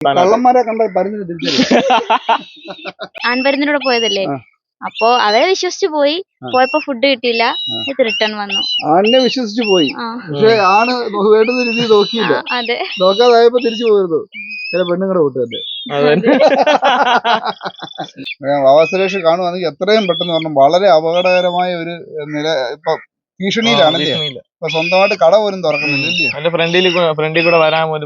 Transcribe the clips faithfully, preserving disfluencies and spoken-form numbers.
കള്ളന്മാരെ കണ്ട പരുന്നിന് തിരിച്ചറിയാം. ആൺപരുന്നിലൂടെ പോയതല്ലേ, അപ്പൊ അവരെ വിശ്വസിച്ചു പോയി. പോയപ്പോ ഫുഡ് കിട്ടിയില്ല, ഇത് റിട്ടേൺ വന്നു. ആണിനെ വിശ്വസിച്ചു പോയി, പക്ഷെ ആണ് വേണ്ടുന്ന രീതി നോക്കിയില്ല. അതെ, നോക്കാതായപ്പോ തിരിച്ചു പോയിരുന്നു. ചില പെണ്ണുങ്ങളുടെ കൂട്ടുകാരുടെ വാവാ സുരേഷ് കാണുവാണെങ്കിൽ എത്രയും പെട്ടെന്ന് പറഞ്ഞു വളരെ അപകടകരമായ ഒരു നില ഇപ്പൊ ഭീഷണിയിലാണല്ലേ. ഇപ്പൊ സ്വന്തമായിട്ട് കട പോലും തുറക്കുന്നില്ല. എന്റെ ഫ്രണ്ടിൽ ഫ്രണ്ടിൽ കൂടെ വരാൻ പോലും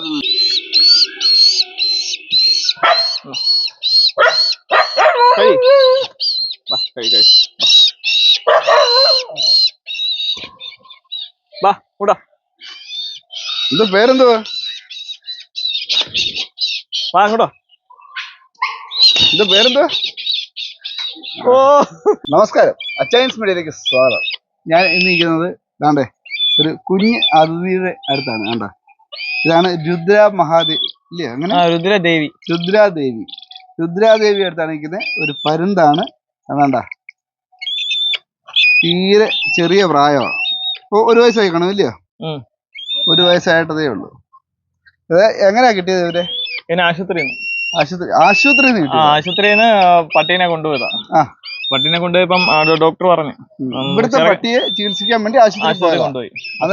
ഇത് പേരെന്തുവാ? വാങ്ങോട്ടോ. ഇത് പേരെന്തുവാ? ഓ നമസ്കാരം, അച്ചായൻസ് മീഡിയയിലേക്ക് സ്വാഗതം. ഞാൻ ഇന്ന് ഇരിക്കുന്നത് ദാണ്ടേ ഒരു കുഞ്ഞ് അതിഥിയുടെ അടുത്താണ്. കണ്ട, ഇതാണ് രുദ്ര മഹാദേവി ഇല്ലേ, അങ്ങനെ രുദ്രദേവി രുദ്രാദേവി രുദ്രാദേവി അടുത്താണ് നിൽക്കുന്നത്. ഒരു പരുന്താണ്. അതാണ്ട തീരെ ചെറിയ പ്രായമാണ്. ഇപ്പൊ ഒരു വയസ്സായി കാണും ഇല്ലയോ? ഒരു വയസ്സായിട്ടതേ ഉള്ളൂ. അത് എങ്ങനെയാ കിട്ടിയത് ഇവരെ? ആശുപത്രി ആശുപത്രി ആശുപത്രിയിൽ നിന്ന് ആശുപത്രിന്ന് പട്ടീനെ കൊണ്ടുപോയതാ. പട്ടീനെ കൊണ്ടുപോയപ്പം ഡോക്ടർ പറഞ്ഞു ഇവിടുത്തെ പട്ടിയെ ചികിത്സിക്കാൻ വേണ്ടി ആശുപത്രി കൊണ്ടുപോയി.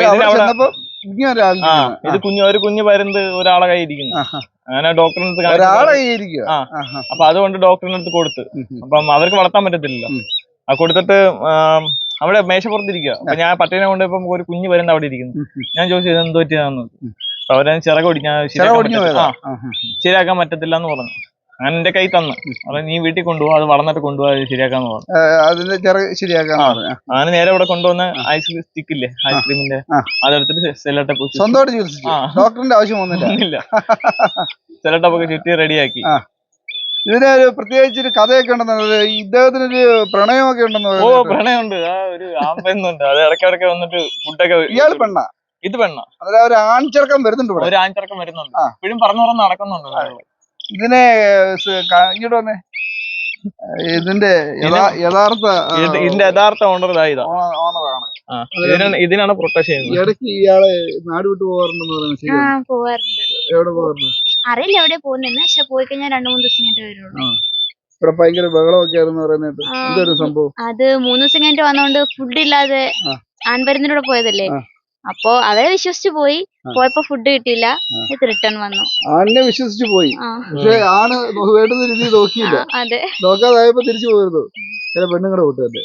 ഇത് കുഞ്ഞു ഒരു കുഞ്ഞു പരുന്ത് ഒരാളെ കൈ ഇരിക്കുന്നു. അങ്ങനെ ഡോക്ടറിനടുത്ത് അപ്പൊ അതുകൊണ്ട് ഡോക്ടറിനടുത്ത് കൊടുത്ത്. അപ്പം അവർക്ക് വളർത്താൻ പറ്റത്തില്ലല്ലോ. അത് കൊടുത്തിട്ട് അവിടെ മേശപ്പുറത്തിരിക്കുക. അപ്പൊ ഞാൻ പട്ടീനെ കൊണ്ടുപോയപ്പോ ഒരു കുഞ്ഞു പരുന്ത് അവിടെ ഇരിക്കുന്നു. ഞാൻ ചോദിച്ചു ഇത് എന്തോ പറ്റിയതാന്ന്. അപ്പൊ അവരെ ചിറക് ഓടിക്കാൻ ശരിയാക്കാൻ പറ്റത്തില്ല എന്ന് പറഞ്ഞു. അങ്ങനെ എന്റെ കൈ തന്നു. അപ്പൊ നീ വീട്ടിൽ കൊണ്ടുപോകും, അത് വളർന്നിട്ട് കൊണ്ടുപോകാൻ ശരിയാക്കാന്ന് പറഞ്ഞു. അതിന്റെ ചിറക് ശരിയാക്കാൻ അങ്ങനെ നേരെ ഇവിടെ കൊണ്ടുവന്ന് ഐസ് സ്റ്റിക്ക് ഇല്ലേ, ഐസ്ക്രീമിന്റെ, അതെടുത്തിട്ട് സെല്ലട്ടപ്പ് ഡോക്ടറിന്റെ ആവശ്യം ഒന്നുമില്ല. സെല്ലട്ടപ്പൊക്കെ ചുറ്റി റെഡിയാക്കി. ഇതിനൊരു പ്രത്യേകിച്ചൊരു കഥയൊക്കെ ഉണ്ടെന്ന്, ഇദ്ദേഹത്തിനൊരു പ്രണയമൊക്കെ ഉണ്ടെന്ന്. ഓ പ്രണയമുണ്ട്. ആ ഒരു ആമ്പെന്നുണ്ട്. അത് ഇടയ്ക്കിടയ്ക്ക് വന്നിട്ട് ഫുഡൊക്കെ. ഇയാൾ പെണ്ണ? ഇത് പെണ്ണ. ഒരു ആൺചെറുക്കം വരുന്നുണ്ട്, ഒരു ആൺചെറുക്കം വരുന്നുണ്ട്. ഇപ്പോഴും പറഞ്ഞു പറഞ്ഞു നടക്കുന്നുണ്ട്. ഇതിനെ ഇങ്ങോട്ട് വന്നേ. ഇതിന്റെ യഥാർത്ഥ ഇതിന്റെ യഥാർത്ഥ ഓണർ ഇതാ ഓണറാണ്. ഇതിനാണ് പ്രൊട്ടക്ട് ചെയ്യുന്നത്. ഇടയ്ക്ക് ഇയാളെ നാട് വിട്ടു പോകാറുണ്ടെന്ന് പറയുന്നത് പോവാറുണ്ട്. എവിടെ പോകാറുണ്ട് അറിയില്ല എവിടെ പോകുന്നെന്ന്, പക്ഷെ പോയി കഴിഞ്ഞാൽ രണ്ടു മൂന്ന് ദിവസം കഴിഞ്ഞിട്ട് വരുള്ളൂ. ഇവിടെ ഭയങ്കര ബഹളമൊക്കെ ആയിരുന്നു പറയുന്നത്. എന്തൊരു സംഭവം? അത് മൂന്ന് ദിവസം കഴിഞ്ഞിട്ട് വന്നോണ്ട് ഫുഡ് ഇല്ലാതെ ആൺപരുന്നിലൂടെ പോയതല്ലേ, അപ്പൊ അവരെ വിശ്വസിച്ചു പോയി. പോയപ്പോ ഫുഡ് കിട്ടിയില്ല, ഇത് റിട്ടേൺ വന്നു. ആണിനെ വിശ്വസിച്ചു പോയി, പക്ഷെ ആണ് വേണ്ടുന്ന രീതി നോക്കിയില്ല. അതെ, നോക്കാതായപ്പോ തിരിച്ചു പോയിരുന്നു. ചില പെണ്ണുങ്ങളുടെ കൂട്ടുകാരുടെ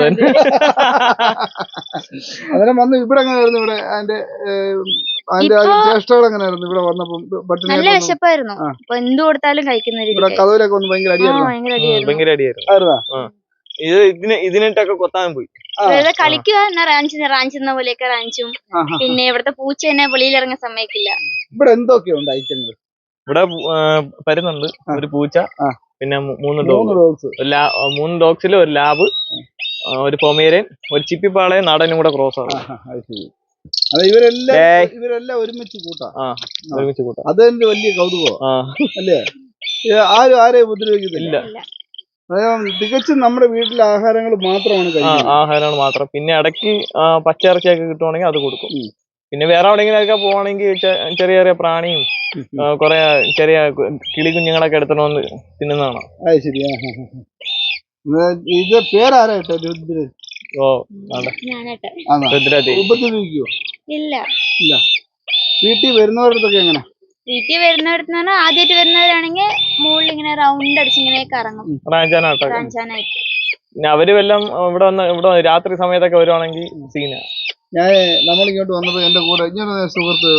അന്നേരം വന്ന് ഇവിടെ എങ്ങനെയായിരുന്നു? ഇവിടെ അതിന്റെ അതിന്റെ ചേഷ്ടകൾ എങ്ങനെയായിരുന്നു? ഇവിടെ വന്നപ്പോ നല്ല വിശപ്പായിരുന്നു. അപ്പൊ എന്ത് കൊടുത്താലും കഴിക്കുന്ന ഇവിടെ കഥയിലൊക്കെ വന്ന് ഭയങ്കര അടിയായിരുന്നു. ഭയങ്കര അടിയായിരുന്നു. ഇത് ഇതിന് ഇതിനിട്ടൊക്കെ കൊത്താൻ പോയി. കളിക്കുക എന്നാ റാഞ്ചുന്ന റാഞ്ചുന്ന പോലെയൊക്കെ റാഞ്ചും. പിന്നെ ഇവിടുത്തെ പൂച്ച തന്നെ വെളിയിൽ ഇറങ്ങാൻ സമ്മതിക്കില്ല. ഇവിടെ എന്തൊക്കെയുണ്ട് ഐറ്റങ്ങൾ? ഇവിടെ പരുന്നുണ്ട്, ഒരു പൂച്ച, പിന്നെ മൂന്ന് ഡോഗ്സ്. മൂന്ന് ഡോഗ്സിൽ ഒരു ലാബ്, ഒരു പൊമേരിയൻ, ഒരു ചിപ്പിപ്പാളയും നാടനും കൂടെ ക്രോസ് ആണ്. ഇവരെല്ലാം ഇവരെല്ലാം ഒരുമിച്ച് കൂട്ടാം. ഒരുമിച്ച് കൂട്ടാം. അതെന്റെ വലിയ കൗതുകമാണ് അല്ലേ? ആരും ആരെയും ഉപദ്രവിക്കുന്നില്ല. തികച്ചും നമ്മുടെ വീട്ടിലെ ആഹാരങ്ങൾ മാത്രമാണ് കഴിക്കുന്നത്. ആഹാരങ്ങൾ മാത്രം. പിന്നെ ഇടയ്ക്ക് പച്ചിറച്ചിയൊക്കെ കിട്ടുവാണെങ്കിൽ അത് കൊടുക്കും. പിന്നെ വേറെ എവിടെയെങ്കിലൊക്കെ പോവാണെങ്കിൽ ചെറിയ ചെറിയ പ്രാണിയും കൊറേ ചെറിയ കിളി കുഞ്ഞുങ്ങളൊക്കെ എടുത്തിട്ട് വന്ന് തിന്നുന്നതാണ്. അത് ശരിയാ. ഇത് പേരാരായിട്ടോ? രുദ്ര. ഓ രുദ്രദേവി. ഉപദ്രവിക്കോ? ഇല്ല ഇല്ല. വീട്ടിൽ വരുന്നവരടുത്തൊക്കെ എങ്ങനെ? വീട്ടിൽ വരുന്നവരത്ത് പറഞ്ഞാൽ ആദ്യമായിട്ട് വരുന്നവരാണെങ്കിൽ മുകളിൽ ഇങ്ങനെ റൗണ്ട് അടിച്ച് ഇങ്ങനെ കറങ്ങും. പിന്നെ അവര് വല്ലതും ഇവിടെ വന്ന് ഇവിടെ രാത്രി സമയത്തൊക്കെ വരുവാണെങ്കിൽ സീന. ഞാൻ നമ്മളിങ്ങോട്ട് വന്നപ്പോ എന്റെ കൂടെ ഇങ്ങനെ സുഹൃത്ത്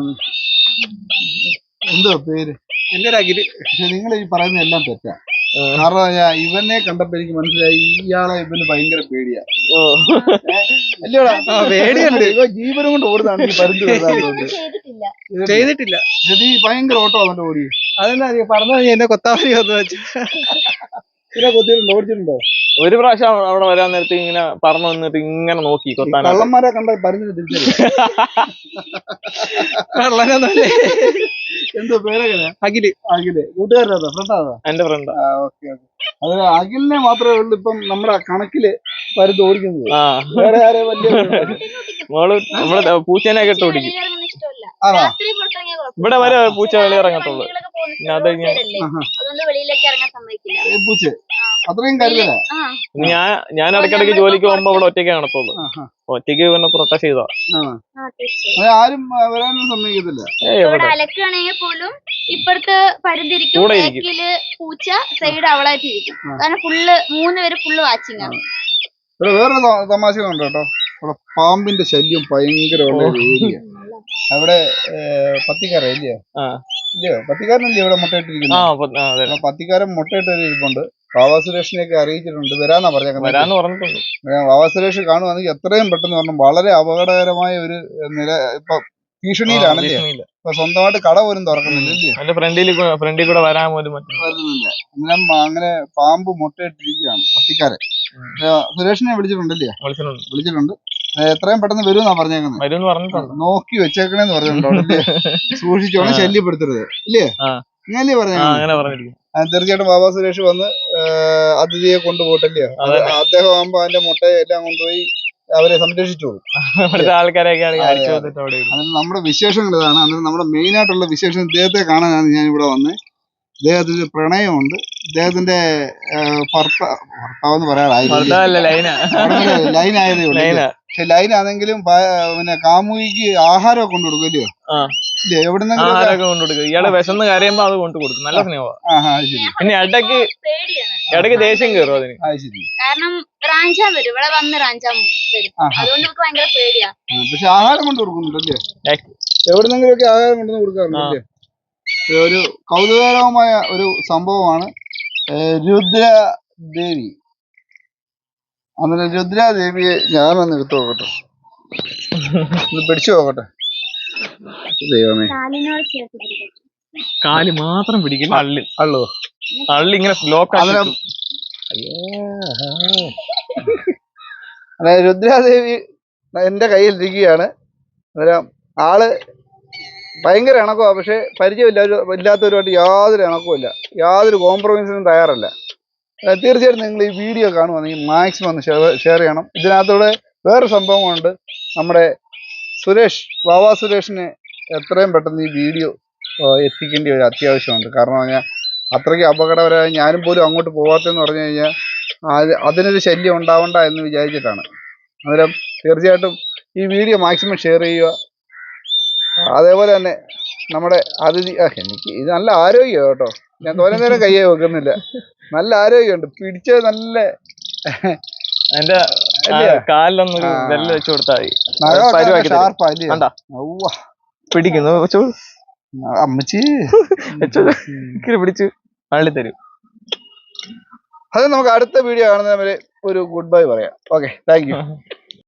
എന്തോ പേര് എന്റെ ഒരു അഖില്. പക്ഷെ നിങ്ങൾ ഈ പറയുന്ന എല്ലാം തെറ്റാ. കാരണം ഞാൻ ഇവനെ കണ്ടപ്പോ എനിക്ക് മനസ്സിലായി ഇയാളെ ഇവന് ഭയങ്കര പേടിയാ. അല്ലയോടാ? പേടിയുണ്ട്. ഇവ ജീവനും കൊണ്ട് ഓടുന്നതാണ് ഈ പരുന്ത് വരാറുണ്ട്. ചെയ്തിട്ടില്ല. നീ ഭയങ്കര ഓട്ടോ അവന്റെ ഓടി. അതെന്താ പറഞ്ഞ എന്നെ കൊത്താവരി വന്നു വെച്ചു. ഇതിനെ കൊത്തിയിട്ടുണ്ടോ? ഓടിച്ചിട്ടുണ്ടോ? ഒരു പ്രാവശ്യം അവിടെ വരാൻ നേരത്തെ ഇങ്ങനെ പറഞ്ഞു വന്നിട്ട് ഇങ്ങനെ നോക്കി കൊത്താൻ. കള്ളന്മാരെ കണ്ട പരുന്തിന് തിരിച്ചറിയാം. എന്തോ പേരെങ്ങനെ? അഖില്. അഖില് കൂട്ടുകാരനാ? ഫ്രണ്ടാ? എന്റെ ഫ്രണ്ട്. Okay okay. അത് അഖിലിനെ മാത്രമേ ഉള്ളൂ ഇപ്പം നമ്മുടെ കണക്കില് പരുന്ത് ഓടിക്കുന്നത്. വേറെ ആരെ വലിയ മോള് നമ്മളെ പൂച്ചേനെ ഒക്കെ ഇട്ട് ഓടിക്കും. ആണോ രാത്രി പുറത്തിറങ്ങിയാൽ കുഴപ്പമില്ല. ഇവിടെ വരെ പൂച്ച വെളിയിറങ്ങത്തുള്ളൂ. വണ്ടികളൊക്കെ പോകുന്ന പിന്നെ അത് road side അല്ലേ? അതുകൊണ്ട് വെളിയിലേക്ക് ഇറങ്ങാൻ സമ്മതിക്കില്ല. ഈ പൂച്ച അത്രയും കരുതല ആ ഞാൻ ഞാൻ ഇടയ്ക്കിടയ്ക്ക് ജോലിക്ക് പോകുമ്പോ ഇവിടെ ഒറ്റയ്ക്ക് കാണത്തുള്ളൂ. ഒറ്റയ്ക്ക് പിന്നെ പ്രൊട്ടക്ട് ചെയ്താ ആ തീർച്ചയായും. ആരും വരാനും സമ്മതിക്കത്തില്ല. ഏയ് ഇവിടെ ഇവിടെ അലക്കുകയാണെങ്കിൽ പോലും ഇപ്പുറത്ത് പരുന്തിരിക്കും, കൂടെ ഇരിക്കും. ബാക്കില് പൂച്ച, സൈഡ് അവളായിട്ട് ഇരിക്കും. കാരണം ഫുള്ള് മൂന്ന് പേര് ഫുള്ള് വാച്ചിങ് ആണ്. ഇവിടെ വേറൊരു ത- തമാശ ഉണ്ട് കേട്ടോ. ഇവിടെ പാമ്പിന്റെ ശല്യം ഭയങ്കരമുള്ള ഒരു ഏരിയ. അവിടെ പത്തിക്കാരൻ ഇല്ലയോ ആ ഇല്ലയോ പത്തിക്കാരനല്ലേ ഇവിടെ ആ മുട്ടയിട്ടിരിക്കുന്നത്. അപ്പൊ- ആ, അതെ അപ്പൊ പത്തിക്കാരൻ മുട്ടയിട്ട് ഇരിപ്പുണ്ട്. വാവാ സുരേഷിനെയൊക്കെ അറിയിച്ചിട്ടുണ്ട്, വരാന്നാ പറഞ്ഞേക്കുന്നത്. വരാന്ന് പറഞ്ഞിട്ടുണ്ട്. വാവാ സുരേഷ് കാണുവാണെങ്കിൽ എത്രയും പെട്ടെന്ന് പറഞ്ഞു. വളരെ അപകടകരമായ ഒരു നില ഇപ്പൊ ഭീഷണിയിലാണല്ലേ. ഭീഷണിയില്ല. ഇപ്പൊ സ്വന്തമായിട്ട് കട പോലും തുറക്കുന്നില്ല ഇല്ലയോ. എന്റെ ഫ്രണ്ടിൽ ഫ്രണ്ടിൽ കൂടെ വരാൻ പോലും പറ്റും. വരുന്നില്ല. അന്നേരം അങ്ങനെ പാമ്പ് മുട്ടയിട്ടിരിക്കുകയാണ് പത്തിക്കാരൻ. ഏ, സുരേഷിനെ വിളിച്ചിട്ടുണ്ടല്ലേ. വിളിച്ചിട്ടുണ്ട്. വിളിച്ചിട്ടുണ്ട്. ഏ, എത്രയും പെട്ടെന്ന് വരുമെന്നാ പറഞ്ഞേക്കുന്നത്. വരുമെന്ന് പറഞ്ഞിട്ടുണ്ട്. നോക്കി വെച്ചേക്കണേന്ന് പറഞ്ഞിട്ടുണ്ടോ അല്ലേ. സൂക്ഷിച്ചോണം, ശല്യപ്പെടുത്തരുത് ഇല്ലേ. ആ. ഇങ്ങനല്ലേ ആ പറഞ്ഞേക്കുന്നത്. അങ്ങനെ പറഞ്ഞിരിക്കും. ആ, തീർച്ചയായിട്ടും ബാബാ സുരേഷ് വന്ന് ഏ, അതിഥിയെ കൊണ്ടുപോയിട്ടല്ലയോ. അതെ. അദ്ദേഹം ആകുമ്പോ അതിന്റെ മുട്ടയെ എല്ലാം കൊണ്ടുപോയി അവരെ സംരക്ഷിച്ചോളും. ഇവിടുത്തെ ആൾക്കാരെയൊക്കെ ആണെങ്കിൽ അതെ, അടിച്ചു അതെ. വന്നിട്ട് അവിടെ ഇടും. അന്നേരം നമ്മുടെ വിശേഷങ്ങൾ ഇതാണ്. അന്നേരം നമ്മുടെ മെയിൻ ആയിട്ടുള്ള വിശേഷം ഇദ്ദേഹത്തെ കാണാനാണ് ഞാൻ ഇവിടെ വന്നത്. ഇദ്ദേഹത്തിന് പ്രണയമുണ്ട്. ഇദ്ദേഹത്തിന്റെ ഭർത്താവ് ഭർത്താവെന്ന് പറയാറായി ഭർത്താവല്ല, ലൈനാ. ലൈൻ ആയതേ ഉള്ളൂ. ലൈനാ. പക്ഷെ ലൈൻ ആണെങ്കിലും ഭ- പിന്നെ കാമുകിക്ക് ആഹാരമൊക്കെ കൊണ്ടു കൊടുക്കും ഇല്ലയോ. ആ. ഇല്ലേ എവിടുന്നെങ്കിലും ആഹാരമൊക്കെ കൊണ്ടു കൊടുക്കും. ഇയാള് വിശന്ന് കരയുമ്പോ അത് കൊണ്ടു കൊടുക്കും. നല്ല സ്നേഹമാണ്. ആഹാ അത് ശരി. പിന്നെ ഇടയ്ക്ക് പേടിയാണ്. ഇടയ്ക്ക് ദേഷ്യം കയറും അതിന്. അത് ശരി. കാരണം റാഞ്ചാൻ വരും, ഇവിടെ വന്ന് റാഞ്ചാൻ വരും. ആഹാ. അതുകൊണ്ട് നമുക്ക് ഭയങ്കര പേടിയാ. ആ, പക്ഷെ ആഹാരം കൊണ്ട് കൊടുക്കുന്നുണ്ടല്ലേ. ഏ. എവിടുന്നെങ്കിലും ഒക്കെ ആഹാരം കൊണ്ടുവന്ന് കൊടുക്കാറുണ്ടല്ലേ. ഒരു കൗതുകകരമായ ഒരു സംഭവമാണ്. ഏ, രുദ്രദേവി. അന്നേരം രുദ്രാദേവിയെ ഞാനൊന്ന് എടുത്തു നോക്കട്ടെ, ഒന്ന് പിടിച്ചു നോക്കട്ടെ. ദൈവമേ. കാലിനോട് ചേർത്ത് പിടിക്കും. കാല് മാത്രം പിടിക്കും. അള്ളി അള്ളോ. അള്ളി ഇങ്ങനെ ലോക്ക് അന്നേരം അന്നേരം രുദ്രാദേവി എന്റെ കയ്യിലിരിക്കുകയാണ്. അന്നേരം ആള് ഭയങ്കര ഇണക്കമാണ്. പക്ഷെ പരിചയമില്ല ഇല്ലാത്തവരുമായിട്ട് യാതൊരു ഇണക്കവുമില്ല, യാതൊരു കോംപ്രമൈസിനും തയ്യാറല്ല. ഏഹ് തീർച്ചയായിട്ടും നിങ്ങൾ ഈ വീഡിയോ കാണുവാണെങ്കിൽ മാക്സിമം ഒന്ന് ഷെയർ ചെയ്യണം. ഇതിനകത്തൂടെ വേറൊരു സംഭവമുണ്ട്. നമ്മുടെ സുരേഷ് വാവാ സുരേഷിനെ എത്രയും പെട്ടെന്ന് ഈ വീഡിയോ എത്തിക്കേണ്ട ഒരു അത്യാവശ്യമുണ്ട്. കാരണം പറഞ്ഞാൽ അത്രയ്ക്ക് അപകടകരമായി ഞാനും പോലും അങ്ങോട്ട് പോകാത്തതെന്ന് പറഞ്ഞു കഴിഞ്ഞാൽ അത് അതിനൊരു ശല്യം ഉണ്ടാവണ്ട എന്ന് വിചാരിച്ചിട്ടാണ്. അന്നേരം തീർച്ചയായിട്ടും ഈ വീഡിയോ മാക്സിമം ഷെയർ ചെയ്യുക. അതേപോലെ തന്നെ നമ്മുടെ അതിഥി ആ, എനിക്ക് ഇത് നല്ല ആരോഗ്യം കേട്ടോ. ഞാൻ തോനെ നേരം കയ്യെ വെക്കുന്നില്ല. നല്ല ആരോഗ്യമുണ്ട്. പിടിച്ചത് നല്ല എന്റെ കാലിലൊന്നൊരു വെല്ല വെച്ച് കൊടുത്താൽ മതി. ഷാർപ്പാ അല്ലേ. കണ്ടാ ഔവ്വ. പിടിക്കുന്നു. അമ്മച്ചി പിടിച്ച് അള്ളി തരും. അത് നമുക്ക് അടുത്ത വീഡിയോ കാണുന്നവരെ ഒരു ഗുഡ് ബൈ പറയാം. Okay, thank U.